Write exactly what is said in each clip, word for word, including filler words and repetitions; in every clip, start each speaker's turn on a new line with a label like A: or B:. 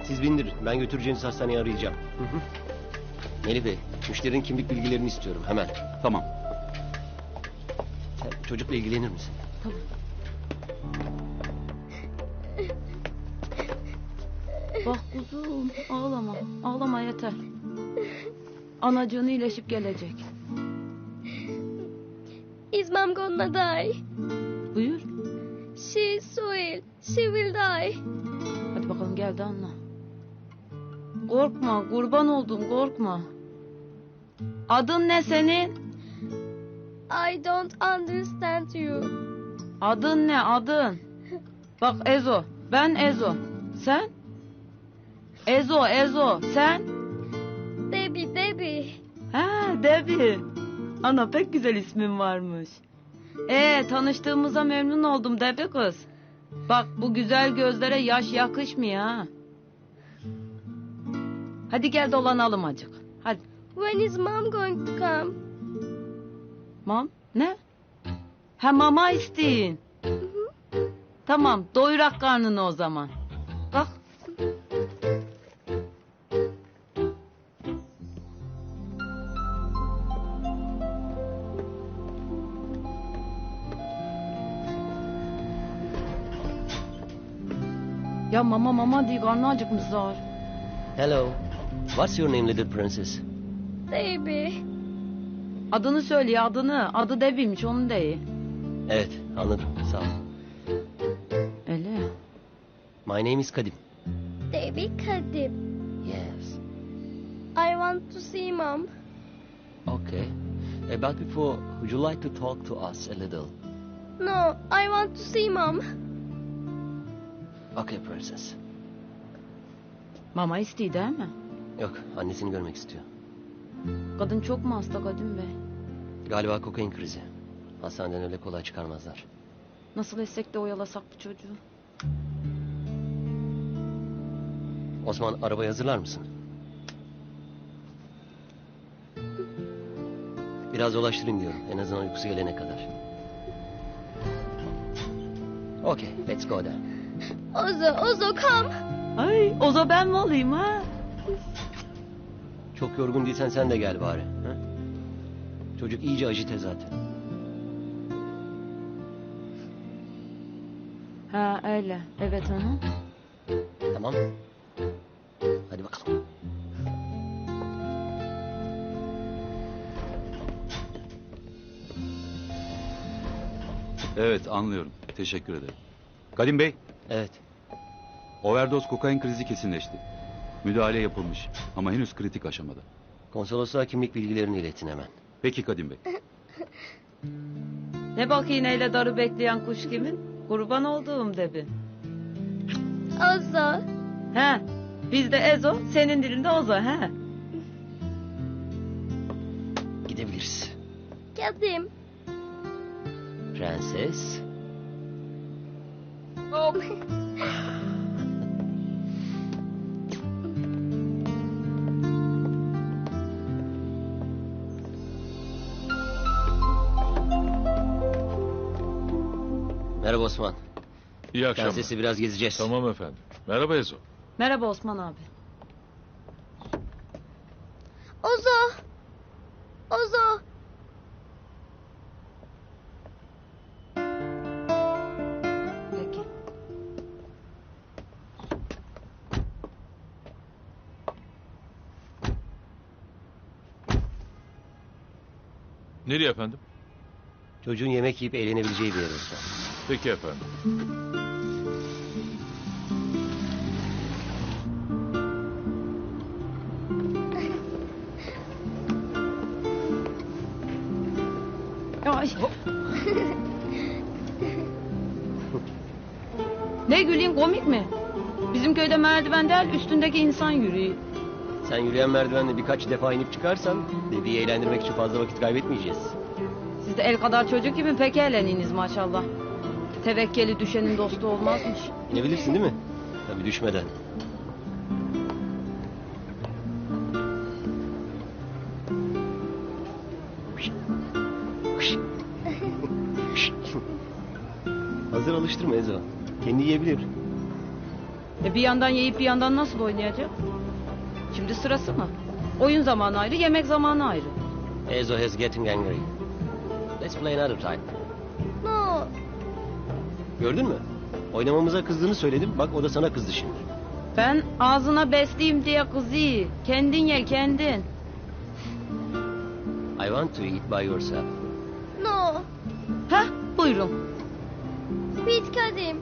A: Siz bindirin. Ben götüreceğiniz hastaneyi arayacağım. Hı hı. Melih Bey, müşterinin kimlik bilgilerini istiyorum hemen.
B: Tamam.
A: Sen çocukla ilgilenir misin?
C: Tamam. Bak kuzum, ağlama. Ağlama yeter. Anacığın iyileşip gelecek.
D: Is mom gonna die?
C: Buyur.
D: She will. She will die.
C: Hadi bakalım gel de anla. Korkma, kurban oldum, korkma. Adın ne senin?
D: I don't understand you.
C: Adın ne, adın? Bak Ezo, ben Ezo. Sen? Ezo, Ezo, sen?
D: Debbie, Debbie.
C: Ha, Debbie. Ana pek güzel ismin varmış. Ee, tanıştığımıza memnun oldum Debbie kız. Bak bu güzel gözlere yaş yakışmıyor ha. Hadi gel dolanalım acık. Hadi.
D: When is mom going to come?
C: Mam, ne? Ha mama isteyin. Tamam, doyurak karnını o zaman. Kalk. Ya mama mama diye karnı acıkmış zar.
A: Hello. What's your name, little princess?
D: Debbie.
C: Adını söyle ya, adını. Adı Debbie'ymiş, onun değil.
A: Evet, anladım. Sağ ol.
C: Öyle.
A: My name is Kadim.
D: Debbie Kadim.
A: Yes.
D: I want to see mom.
A: Okay. Uh, but before, would you like to talk to us a little?
D: No, I want to see mom.
A: Okay, princess.
C: Mama istiyor değil mi?
A: Yok, annesini görmek istiyor.
C: Kadın çok mu hasta Kadim Bey?
A: Galiba kokain krizi. Hastaneden öyle kolay çıkarmazlar.
C: Nasıl etsek de oyalasak bu çocuğu?
A: Osman, arabayı hazırlar mısın? Biraz dolaştırayım diyorum. En azından uykusu gelene kadar. Okay, let's go then.
D: Ozo, Ozo come.
C: Ay, Ozo ben mi olayım ha?
A: Çok yorgun değilsen sen de gel bari. Ha? Çocuk iyice ajite zaten.
C: Ha öyle. Evet onu.
A: Tamam. Hadi bakalım.
B: Evet, anlıyorum. Teşekkür ederim. Kadim Bey,
A: Evet.
B: overdose kokain krizi kesinleşti. Müdahale yapılmış ama henüz kritik aşamada.
A: Konsolosluğa kimlik bilgilerini iletin hemen.
B: Peki Kadim Bey.
C: Ne bak iğneyle darı bekleyen kuş kimin? Kurban olduğum Debi.
D: Ozo.
C: He. Bizde Ezo, senin dilinde Ozo he.
A: Gidebiliriz.
D: Kadim.
A: Prenses.
D: Oh.
A: Merhaba Osman.
E: İyi akşamlar.
A: Prensesi biraz gezeceğiz.
E: Tamam efendim. Merhaba Ezo.
C: Merhaba Osman abi.
D: Ozo. Ozo.
C: Peki.
E: Nereye efendim?
A: Çocuğun yemek yiyip eğlenebileceği bir yer Osman.
E: Peki efendim.
C: Ay. Ne güleyim, komik mi? Bizim köyde merdiven değil, üstündeki insan yürüyor.
A: Sen yürüyen merdivenle birkaç defa inip çıkarsan... ...dediği eğlendirmek için fazla vakit kaybetmeyeceğiz.
C: Siz de el kadar çocuk gibi pek eğleniniz maşallah. Tevekkeli düşenin dostu olmazmış.
A: İnebilirsin değil mi? Tabii düşmeden. Hazır alıştırma Ezo. Kendi yiyebilir.
C: E bir yandan yiyip bir yandan nasıl oynayacak? Şimdi sırası mı? Oyun zamanı ayrı, yemek zamanı ayrı.
A: Ezo is getting angry. Let's play another time.
D: No.
A: Gördün mü? Oynamamıza kızdığını söyledim. Bak o da sana kızdı şimdi.
C: Ben ağzına besleyeyim diye kızı. Kendin ye kendin.
A: I want to eat by yourself.
D: No.
C: Heh buyurun.
D: Sweet Kadim.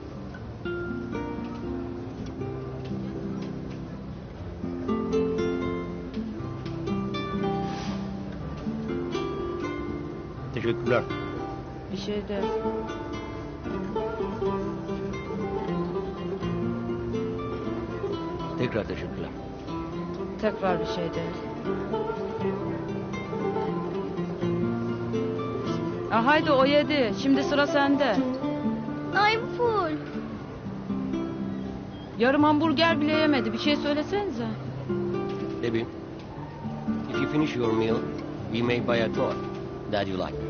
A: Teşekkürler.
C: Bir şey de.
A: Tekrar teşekkürler.
C: Tekrar bir şey de. Ah haydi o yedi. Şimdi sıra sende.
D: I'm full.
C: Yarım hamburger bile yemedi. Bir şey söylesenize.
A: Debbie, if you finish your meal, we may buy a toy that you like.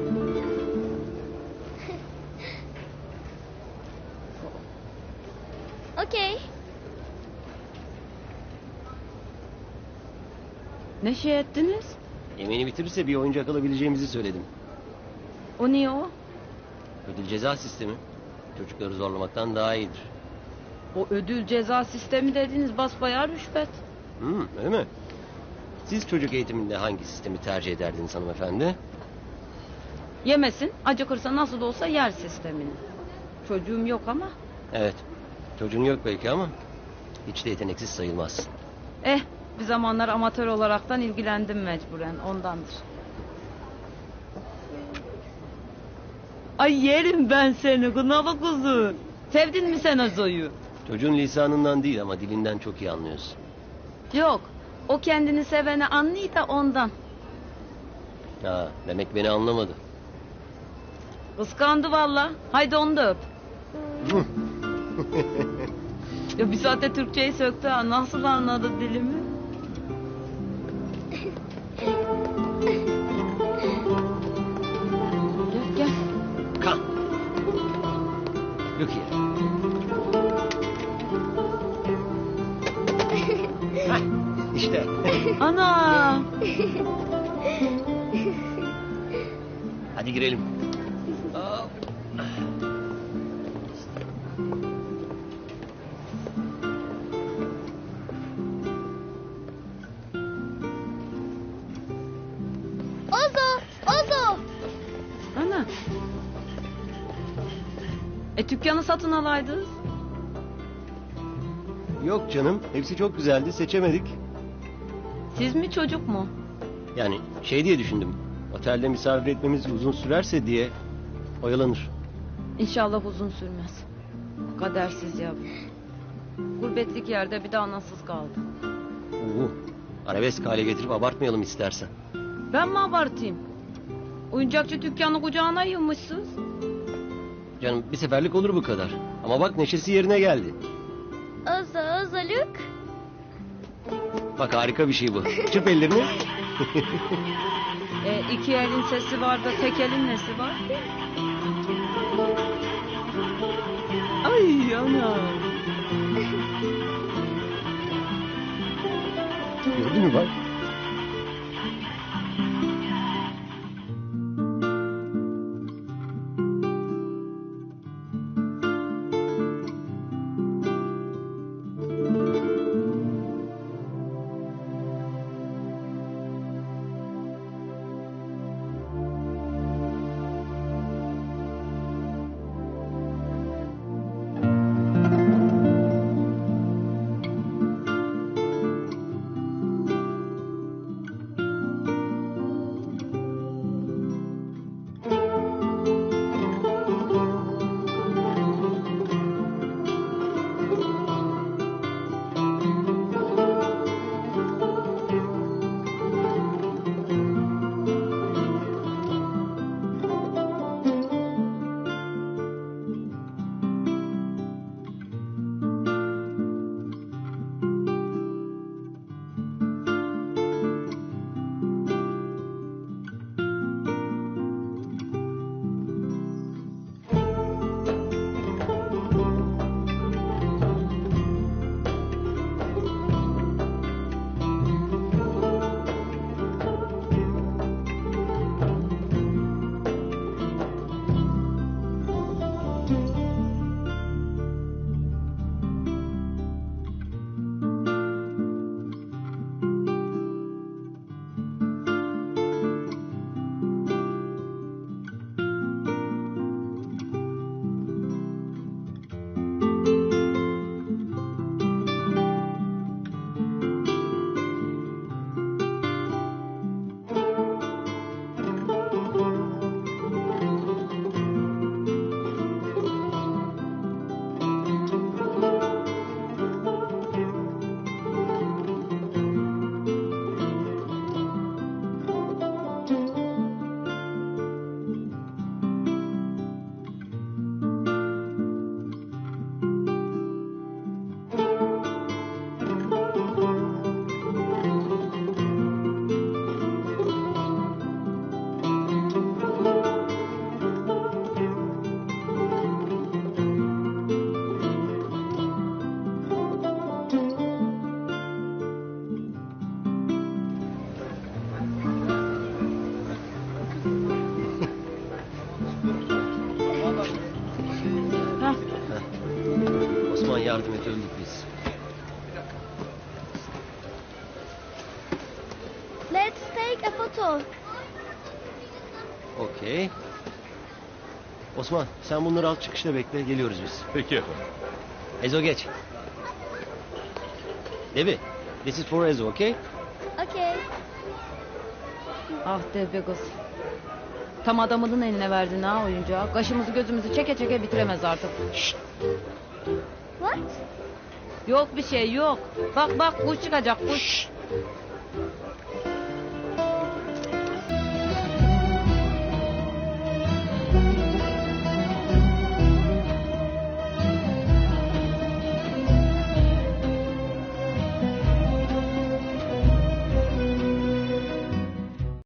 D: Okay.
C: Ne şey ettiniz?
A: Yemeğini bitirirse bir oyuncak alabileceğimizi söyledim.
C: O niye o?
A: Ödül ceza sistemi çocukları zorlamaktan daha iyidir.
C: O ödül ceza sistemi dediğiniz basbayağı rüşvet.
A: Hmm, öyle mi? Siz çocuk eğitiminde hangi sistemi tercih ederdiniz hanımefendi?
C: Yemesin, acıkırsa nasıl olsa yer sistemini. Çocuğum yok ama.
A: Evet, çocuğun yok belki ama hiç de yeteneksiz sayılmaz.
C: Eh, bir zamanlar amatör olaraktan ilgilendim mecburen, ondandır. Ay yerim ben seni, kınalı kuzu. Sevdin mi sen Azo'yu?
A: Çocuğun lisanından değil ama dilinden çok iyi anlıyorsun.
C: Yok, o kendini seveni anlıyor da ondan.
A: Ha, demek beni anlamadı.
C: Kıskandı valla. Haydi onu da öp. Ya bir saatte Türkçeyi söktü ha. Nasıl anladı dilimi? Gel gel.
A: Come. Look here. Hah, İşte.
C: Ana.
A: Hadi girelim. Hop.
D: Ozo. Ozo.
C: Ana. E dükkanı satın alaydınız.
A: Yok canım, hepsi çok güzeldi, seçemedik.
C: Siz mi çocuk mu?
A: Yani şey diye düşündüm. Otelde misafir etmemiz uzun sürerse diye oyalanır.
C: İnşallah uzun sürmez. Kadersiz yavrum. Gurbetlik yerde bir de anasız kaldı.
A: Uhu. Arabesk hale getirip abartmayalım istersen.
C: Ben mi abartayım? Oyuncakçı dükkanı kucağına yığmışsınız.
A: Canım bir seferlik olur bu kadar. Ama bak neşesi yerine geldi.
D: Ozo. Ozo look.
A: Bak harika bir şey bu. Çırp ellerini.
C: E, iki elin sesi var da tek elin nesi var? Ay ana.
A: Gördün mü bak? yardım et, öldük biz.
D: Let's take a photo.
A: Okey. Osman sen bunları al çıkışta bekle, geliyoruz biz.
E: Peki efendim.
A: Ezo geç. Devi, this is for Ezo, okay?
D: Okay.
C: Ah Devbe kız. Tam adamının eline verdin ha oyuncağı. Kaşımızı gözümüzü çeke çeke bitiremez artık.
D: What?
C: Yok bir şey yok. Bak bak kuş çıkacak kuş.